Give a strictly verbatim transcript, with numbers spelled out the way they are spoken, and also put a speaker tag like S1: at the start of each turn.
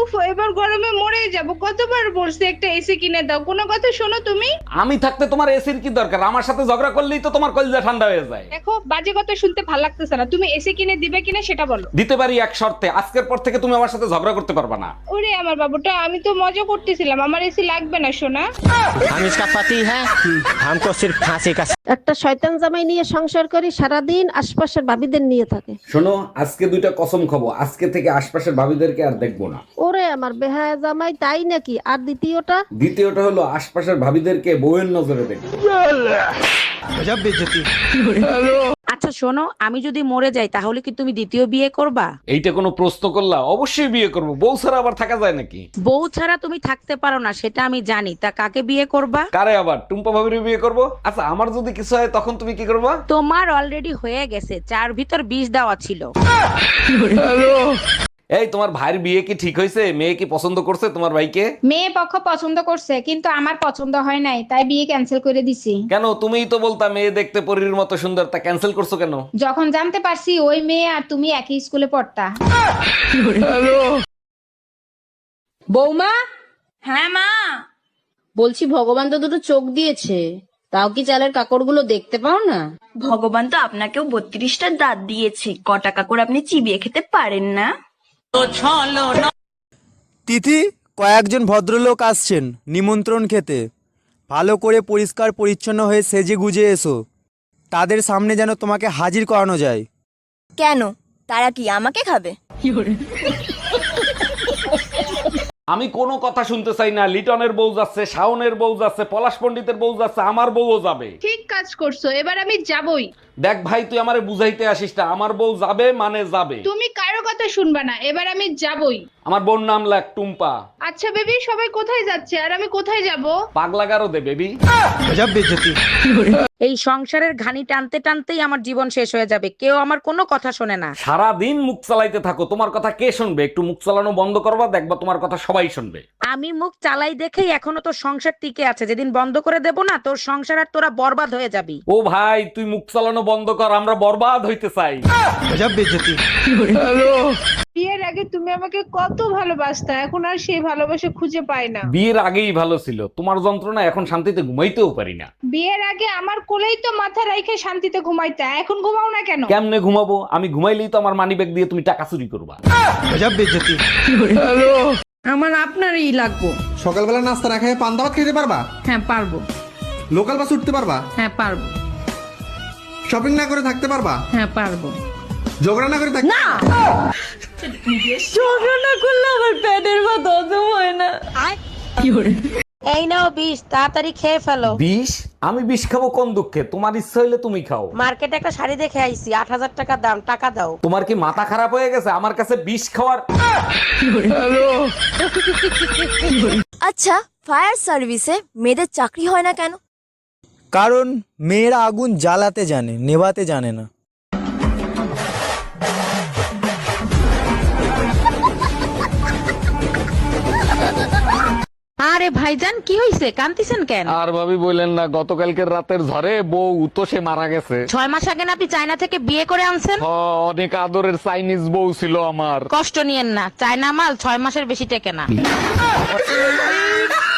S1: উফ এবার গরমে মরে যাব, কতবার বলছি একটা এসি কিনে দাও, কোনো কথা শোনো তুমি?
S2: আমি থাকতে তোমার এসির কি দরকার? আমার সাথে ঝগড়া করলেই তো তোমার কলিজা ঠান্ডা হয়ে যায়।
S1: দেখো বাজে কথা শুনতে ভালো লাগতেছে না, তুমি এসি কিনে দিবে কিনা সেটা বলো।
S2: দিতে পারি এক শর্তে, আজকের পর থেকে তুমি আমার সাথে ঝগড়া করতে পারবে না।
S1: ওরে আমার বাবুটা, আমি তো মজা করতেছিলাম, আমার এসি লাগবে না সোনা।
S3: हम इसका पति है, हमको सिर्फ फांसी का।
S4: একটা শয়তান জামাই নিয়ে সংসার করি, সারাদিন আশপাশের ভাবিদের নিয়ে থাকে।
S2: শোনো, আজকে দুইটা কসম খাবো, আজকে থেকে আশপাশের ভাবিদেরকে আর দেখবো না।
S4: ওরে আমার বেহায়া জামাই, তাই নাকি? আর দ্বিতীয়টা?
S2: দ্বিতীয়টা হলো আশপাশের ভাবিদেরকে বউয়ের নজরে দেখবো।
S3: गजब बेइज्जती।
S5: আচ্ছা শোনো, আমি যদি মরে যাই তাহলে কি তুমি দ্বিতীয় বিয়ে করবা?
S2: এইটা কোনো প্রশ্ন করলা? অবশ্যই বিয়ে করবো, বউ ছাড়া আবার থাকা যায় নাকি?
S5: বউ ছাড়া তুমি থাকতে পারো না সেটা আমি জানি, তা কাকে বিয়ে করবা?
S2: কারে আবার? টুম্পা ভাবির বিয়ে করবো। আচ্ছা আমার যদি কিছু হয় তখন তুমি কি করবা?
S5: তোমার অলরেডি হয়ে গেছে, চার ভিতর বিষ দেওয়া ছিল।
S2: এই তোমার ভাইয়ের বিয়ে কি ঠিক হয়েছে? মেয়ে কি পছন্দ করছে তোমার ভাইকে?
S6: মেয়ে পক্ষ পছন্দ করছে কিন্তু আমার পছন্দ হয় নাই, তাই বিয়ে ক্যান্সেল করে দিছি।
S2: কেন? তুমিই তো বলতা মেয়ে দেখতে পরীর মতো সুন্দর, তা ক্যান্সেল করছো কেন?
S6: যখন জানতে পারছি ওই মেয়ে আর তুমি একই স্কুলে পড়তা।
S7: বৌমা,
S8: হ্যাঁ মা।
S7: বলছি ভগবান তো দুটো চোখ দিয়েছে, তাও কি চালের কাকড়গুলো দেখতে পাও না?
S8: ভগবান তো আপনাকেও বত্রিশটা দাঁত দিয়েছে, কটা কাকড় আপনি চিবিয়ে খেতে পারেন না?
S9: তিথি, কয়েকজন ভদ্রলোক আসছেন নিমন্ত্রণ খেতে। ভালো করে পরিষ্কার পরিচ্ছন্ন হয়ে সেজে গুজে এসো, তাদের সামনে যেন তোমাকে হাজির করানো যায়।
S8: কেন, তারা কি আমাকে খাবে?
S2: আমি কোনো কথা শুনতে চাই না। লিটনের বউ যাচ্ছে, শাওনের বউ যাচ্ছে, পলাশ পণ্ডিতের বউ যাচ্ছে, আমার বউও যাবে।
S1: ঠিক কাজ করছো, এবার আমি যাবই।
S2: দেখ ভাই, তুই আমারে বুঝাইতে আসিস না, আমার বউ যাবে মানে যাবে।
S1: তুমি কারো কথা শুনবা না, এবার আমি যাবই।
S2: আমার বোন নাম লাগ টুম্পা।
S1: আচ্ছা বেবি, সবাই কোথায় যাচ্ছে আর আমি কোথায় যাব?
S2: পাগলা গারো দে বেবি।
S9: গজব বেইজ্জতি।
S5: এই সংসারের ঘানি টানতে টানতেই আমার জীবন শেষ হয়ে যাবে, কেউ আমার কোনো কথা শোনে না।
S2: সারা দিন মুখ চালাইতে থাকো, তোমার কথা কে শুনবে? একটু মুখ চালানো বন্ধ করবা, দেখবা তোমার কথা সবাই শুনবে।
S5: আমি মুখ চালাই দেখেই এখনো তোর সংসার টিকে আছে, যেদিন বন্ধ করে দেব না তোর সংসার আর তোরা বরবাদ হয়ে যাবি।
S2: ও ভাই, তুই মুখ চালানো বন্ধ কর, আমরা বরবাদ হইতে চাই।
S9: গজব বেইজ্জতি।
S1: বিয়ের আগে তুমি আমাকে কত ভালোবাসতা, এখন আর সেই ভালোবাসা খুঁজে পাই না।
S2: বিয়ের আগেই ভালো ছিল, তোমার যন্ত্রণা এখন শান্তিতে ঘুমাইতেও পারি না।
S1: বিয়ের আগে আমার কোলেই তো মাথা রাইখে শান্তিতে ঘুমাইতা, এখন ঘুমাও না কেন?
S2: কেমনে ঘুমাবো? আমি ঘুমাইলেই তো আমার মানিব্যাগ দিয়ে তুমি টাকা চুরি করবা।
S9: গজব বেইজ্জতি।
S7: আমার আপনারই লাগবো।
S10: সকালবেলা নাস্তা না খেয়ে পান্তা ভাত খেতে পারবা?
S7: হ্যাঁ পারবো।
S10: লোকাল বাস উঠতে পারবা?
S7: হ্যাঁ পারবো।
S10: শপিং না করে থাকতে পারবা?
S7: হ্যাঁ পারবো।
S10: ঝগড়া না করে থাকতে না।
S7: ঝগড়া না করলে আমার পেটের ভাত হজম হয় না।
S5: এই নাও বিষ, তাড়াতাড়ি খেয়ে ফেলো।
S2: বিষ? আমি বিষ খাবো কোন দুঃখে? তোমার ইচ্ছা হইলে তুমি খাও।
S5: মার্কেটে একটা শাড়ি দেখে আইছি, আট হাজার টাকা দাম, টাকা দাও।
S2: তোমার কি মাথা খারাপ হয়ে গেছে আমার কাছে বিষ খাওয়ার?
S8: আচ্ছা, ফায়ার সার্ভিসে মেয়েদের চাকরি হয় না কেন?
S9: কারণ মেয়েরা আগুন জ্বালাতে জানে, নেভাতে জানে না।
S5: আরে ভাইজান, কি হইছে? কান্তিছেন কেন?
S2: আর ভাবি বললেন না, গতকালকের রাতের ঝড়ে বউ তো সে মারা গেছে।
S5: ছয় মাস আগে না আপনি চায়না থেকে বিয়ে করে আনছেন?
S2: হ, অনেক আদরের চাইনিজ বউ ছিল আমার।
S5: কষ্ট নিয়েন না, চায়না মাল ছয় মাসের বেশি টেকে না।